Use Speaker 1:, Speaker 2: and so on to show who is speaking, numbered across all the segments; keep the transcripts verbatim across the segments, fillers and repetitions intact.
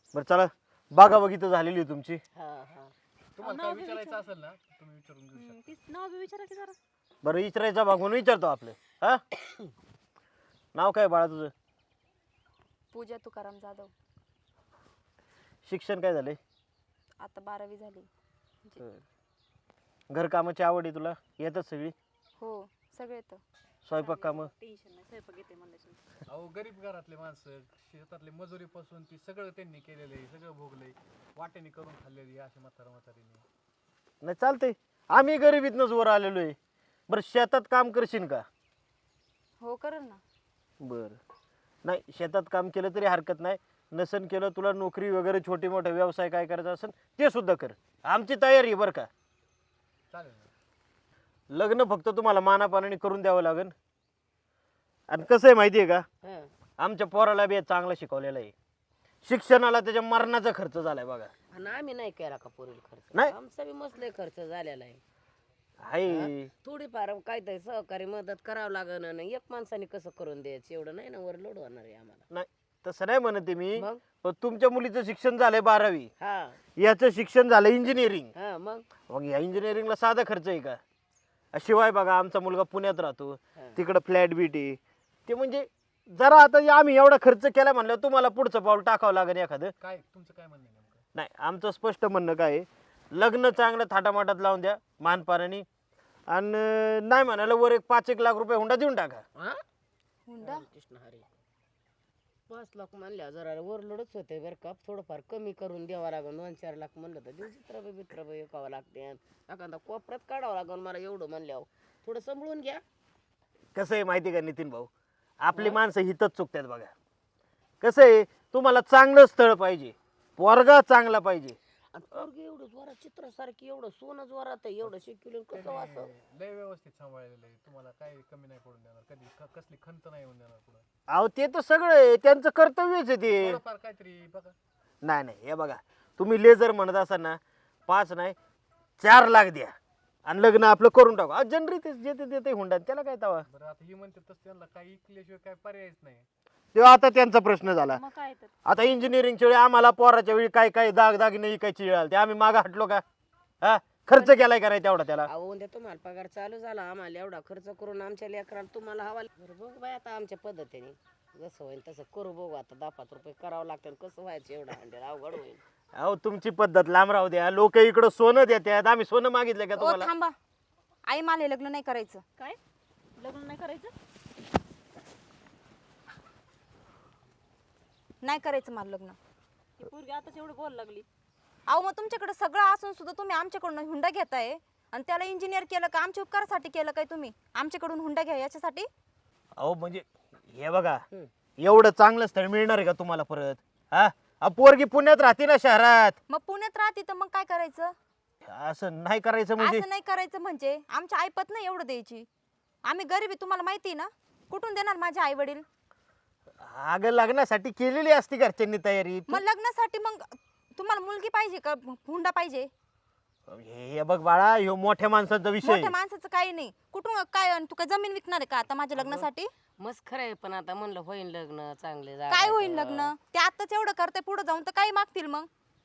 Speaker 1: बरं चला बागा बघित झालेली आहे तुमची.
Speaker 2: हा हा
Speaker 3: तुम्हाला काय विचारायचं असेल ना तुम्ही विचारून घेऊ शकता.
Speaker 4: तीच नाव बी विचारा की जरा.
Speaker 1: बरं विचारायचा भाग म्हणून विचारतो आपलं. हा नाव काय बाळा तुझं?
Speaker 5: पूजा तुकाराम जाधव.
Speaker 1: शिक्षण काय झालंय?
Speaker 5: आता बारावी झाली.
Speaker 1: घरकामाची आवड आहे तुला? येतात सगळी?
Speaker 5: हो सगळे तर.
Speaker 1: स्वयंपाक कामं?
Speaker 4: टेन्शन नाही, स्वयंपाक येते म्हणल्याशिवाय.
Speaker 3: अहो गरीब घरातले माणसं शेतातले मजुरीपासून ती सगळं त्यांनी केलेलं आहे, सगळं भोगलंय, वाट्याने करून खाल्लेली अशी म्हातारा म्हातारीने.
Speaker 1: नाही चालतंय, आम्ही गरिबीतनंच वर आलेलो आहे. बरं शेतात काम करशील का?
Speaker 5: हो करेल ना.
Speaker 1: बरं नाही शेतात काम केलं तरी हरकत नाही. नसन केलं तुला नोकरी वगैरे छोटे मोठे व्यवसाय काय करायचा असेल ते सुद्धा कर. आमची तयारी आहे बरं का.
Speaker 3: चालेल ना.
Speaker 1: लग्न फक्त तुम्हाला मानापानाने करून द्यावं लागेल. आणि कसं आहे माहिती आहे का,
Speaker 2: हा.
Speaker 1: आमच्या पोराला बी चांगला शिकवलेला आहे. शिक्षणाला त्याच्या मरणाचा खर्च झालाय बघा.
Speaker 2: आणि आम्ही नाही केला का पोरील खर्च?
Speaker 1: नाही.
Speaker 2: आमचा बी मसले खर्च झालेला आहे.
Speaker 1: हाय
Speaker 2: थोडीफार काहीतरी सहकारी मदत करावं लागेल ना. एक माणसाने कसं करून द्यायचं एवढं नाही ना, वर लोड होणार आहे आम्हाला.
Speaker 1: नाही तसं नाही म्हणते मी.
Speaker 2: मग
Speaker 1: पण तुमच्या मुलीचं शिक्षण झालंय बारावी,
Speaker 2: हा
Speaker 1: याचं शिक्षण झालं इंजिनिअरिंग.
Speaker 2: हा मग
Speaker 1: मग या इंजिनिअरिंगला साधा खर्च आहे का? शिवाय बघा आमचा मुलगा पुण्यात राहतो, तिकडं फ्लॅट बीट आहे. ते म्हणजे जरा आता आम्ही एवढा खर्च केला म्हणल्यावर तुम्हाला पुढचं पाऊल टाकावं लागेल एखादं.
Speaker 3: काय तुमचं काय म्हणणं आहे नेमकं?
Speaker 1: नाही आमचं स्पष्ट म्हणणं काय आहे, लग्न चांगलं थाटामाटात लावून द्या मानपाराने. आणि नाही म्हणाला वर एक पाच एक लाख रुपये हुंडा देऊन टाका.
Speaker 2: हा
Speaker 5: हुंडा
Speaker 2: कृष्ण हरी पाच लाख म्हणल्या जरा ओव्हरलोडच होते बरं का. थोडंफार कमी करून द्यावं लागेल. दोन चार लाख म्हणलं तर दिवशी चित्रबे बित्रबे एकावं लागते. एखादा कोपऱ्यात काढावं लागेल मला एवढं म्हणल्यावर. थोडं सांभाळून घ्या. कसं
Speaker 1: आहे माहिती का नितीन भाऊ, आपली माणसं हितच चुकतात बघा. कसं आहे, तुम्हाला चांगलं स्थळ पाहिजे, पोरगा चांगला पाहिजे.
Speaker 2: आणि पोरगी एवढं जोरात चित्रासारखी एवढं सोनं जोरात आहे, एवढं शिकवलं कसं वाचव.
Speaker 3: लय व्यवस्थित सांभाळलेलं आहे, तुम्हाला काही कमी नाही पडून देणार, कधी क- कसली खंत नाही होऊन देणार पुढे.
Speaker 1: अहो ते तर सगळं आहे, त्यांचं कर्तव्यच आहे ते.
Speaker 3: थोडंफार काहीतरी बघा.
Speaker 1: नाही नाही हे बघा, तुम्ही लेझर म्हणत असाल ना, पाच नाही चार लाख द्या आणि लग्न आपलं करून टाकू. जनरी ते जे ते देते हुंडा, त्याला काय तवा.
Speaker 3: बरं आता ही म्हणते तसं त्यांना काही ऐकल्याशिवाय काय पर्यायच नाही.
Speaker 1: तेव्हा आता त्यांचा प्रश्न झाला.
Speaker 4: मग काय तर.
Speaker 1: आता इंजिनिअरिंगच्या वेळी आम्हाला पोराच्या वेळी काय काय दाग दागिने इकायची वेळ आली, ते आम्ही मागं हटलो का? हा खर्च केलाय करायचा तेवढा त्याला.
Speaker 2: अहो उद्या तुम्हाला पगार चालू झाला, आम्हाला एवढा खर्च करून आमच्या लेकराला तुम्हाला हवा. बरं बघू बाय आता आमच्या पद्धतीने जसं होईल तसं करू. बघू आता दहा पाच रुपये करावं लागतं. कसं व्हायचं एवढं हंड्रेड अवघड होईल.
Speaker 1: अहो तुमची पद्धत लांब राहू द्या. लोक इकडं सोनं देतात, आम्ही सोनं मागितलं का
Speaker 5: ओ
Speaker 1: तुम्हाला?
Speaker 5: थांबा, आई मला हे लग्न नाही करायचं.
Speaker 4: काय लग्न नाही करायचं?
Speaker 5: नाही करायचं मला लग्न.
Speaker 4: ही पोरगी आताच एवढं बोल लागली.
Speaker 5: अहो मग तुमच्याकडे सगळं असून सुद्धा तुम्ही आमच्याकडून हुंडा घेताय. आणि त्याला इंजिनियर केलं का? आमच्या उपकारासाठी केलं काय तुम्ही? आमच्याकडून हुंडा घ्या याच्यासाठी?
Speaker 1: अहो म्हणजे हे बघा, एवढं चांगलं स्थळ मिळणार आहे का तुम्हाला परत? हा अहो, पोरगी पुण्यात राहते ना शहरात.
Speaker 5: मग पुण्यात राहते तर मग काय करायचं?
Speaker 1: असं नाही करायचं म्हणजे?
Speaker 5: असं नाही करायचं म्हणजे आमच्या आईपत नाही एवढं द्यायची. आम्ही गरीबी तुम्हाला माहिती आहे ना. कुठून देणार माझे आई वडील?
Speaker 1: अगं लग्नासाठी केलेली असती घरच्यांनी तयारी.
Speaker 5: मग लग्नासाठी मग तुम्हाला मुलगी पाहिजे का हुंडा पाहिजे?
Speaker 1: हे हे बघ बाळा, ह्यो मोठ्या माणसाचा विषय.
Speaker 5: मोठ्या माणसाचं काही नाही. कुठून काय? तू काय जमीन विकणार आहे का आता माझ्या लग्नासाठी?
Speaker 2: मस्त खरं आहे, पण आता म्हणलं होईल लग्न चांगले.
Speaker 5: काय होईल लग्न? ते आताच एवढं करते, पुढे जाऊन तर काही मागतील मग.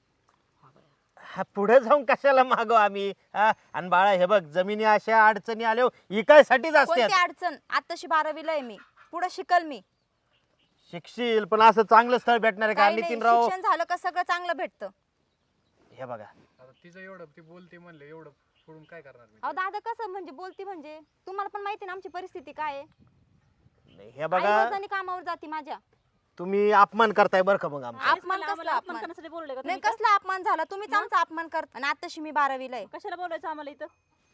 Speaker 1: हा पुढे जाऊन कशाला मागो आम्ही? हा आणि बाळा हे बघ, जमिनी अशा अडचणी आल्या इकायसाठीच असते.
Speaker 5: कोणती अडचण? आताशी बारावीला आहे मी, पुढे शिकल मी.
Speaker 1: शिकशील पण असं चांगलं स्थळ भेटणार आहे का
Speaker 5: काही नाही,
Speaker 1: नितीन राव?
Speaker 5: शिक्षण झालं का सगळं चांगलं भेटतं.
Speaker 1: हे बघा
Speaker 3: आता तिचं एवढं ती बोलते म्हणलं एवढं सोडून काय करणार मी?
Speaker 5: अहो दादा कसं म्हणजे बोलती म्हणजे तुम्हाला पण माहिती ना आमची परिस्थिती काय आहे.
Speaker 1: नाही, हे
Speaker 5: आई
Speaker 1: बघा
Speaker 5: रोजानी कामावर जाती माझ्या.
Speaker 1: तुम्ही अपमान करताय बरं का मग आमचा?
Speaker 5: अपमान
Speaker 4: आम्हाला
Speaker 5: कसला
Speaker 4: अपमान
Speaker 5: अपमान?
Speaker 4: करण्यासाठी बोलले का
Speaker 5: नाही
Speaker 4: तुम्ही?
Speaker 5: कसला अपमान झाला? तुम्हीच आमचा अपमान करता. आणि आताशी मी बारावीला आहे.
Speaker 4: कशाला बोलायचं आम्हाला इथं?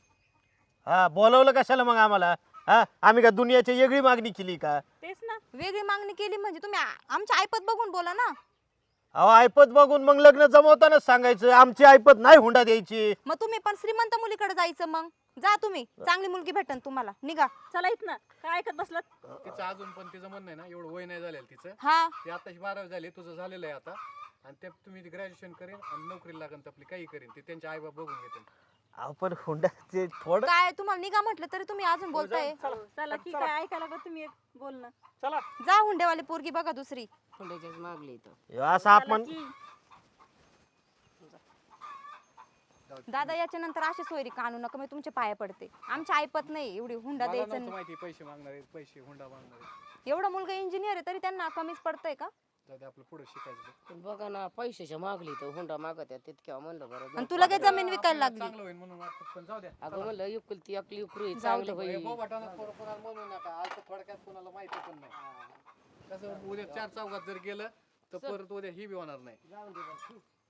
Speaker 1: हा बोलवलं कशाला मग आम्हाला? हा आम्ही का दुनियाची वेगळी मागणी केली का?
Speaker 4: तेच ना.
Speaker 5: वेगळी मागणी केली म्हणजे तुम्ही आ- आमच्या आईपत बघून बोला ना.
Speaker 1: अहो ऐपत बघून मग लग्न जमवतानाच सांगायचं आमची ऐपत नाही हुंडा द्यायची.
Speaker 5: मग तुम्ही पण श्रीमंत मुलीकडे जायचं. मग जा तुम्ही, चांगली मुलगी भेटन तुम्हाला. निघा.
Speaker 4: चला इथं. काय ऐकत बसलात?
Speaker 3: तिचं अजून पण तिचं म्हणणं आहे ना, एवढं वय नाही झालेलं तिचं.
Speaker 5: हा
Speaker 3: ती आताशी बारावी झाली, तुझं झालेलं आहे आता. आणि ते तुम्ही ग्रॅज्युएशन करेन आणि नोकरीला लागेल आपली काही करेन, ते त्यांचे आई बाप बघून घेतील.
Speaker 1: अहो पण हुंडा ते थोडं
Speaker 5: काय तुम्हाला निघा म्हटलं तरी तुम्ही अजून बोलताय.
Speaker 4: चला ठीक आहे, ऐकायला का तुम्ही एक बोलणं?
Speaker 1: चला
Speaker 5: जा हुंडेवाली पोरगी बघा दुसरी.
Speaker 2: हुंड्याच्याच मागली इथं.
Speaker 1: ह्यो असा अपमान
Speaker 4: की
Speaker 5: दादा याच्या नंतर अशी सोयरी का आणू नका मी तुमच्या पाया पडते आमच्या ऐपत नाही एवढी हुंडा
Speaker 3: मला
Speaker 5: द्यायचं
Speaker 3: नव्हतं
Speaker 5: नाही.
Speaker 3: माहिती पैसे मागणार आहेत पैसे हुंडा मागणार आहेत.
Speaker 5: एवढा मुलगा इंजिनियर आहे तरी त्यांना कमीच पडतंय का?
Speaker 3: जाऊ दे, आपलं पुढे शिकायचं बघ.
Speaker 2: पण बघा ना पैशाच्या मागली तर हुंडा मागत आहे तितक्या म्हणलं बरं
Speaker 5: आणि तुला काय जमीन विकायला
Speaker 3: आपल्याला
Speaker 5: लागली?
Speaker 3: चांगलं होईल म्हणून वाटतं पण जाऊ द्या.
Speaker 2: अगं म्हणलं एकुलती एकली उकरू चांगलं होईल.
Speaker 3: बोबाटानं पोरं कोणाला म्हणू नका आज तर थोडक्यात कोणाला माहिती पण नाही कसं उद्या चार चौघात जर गेलं तर परत उद्या ही बी होणार नाही.
Speaker 2: जाऊन दे बरं.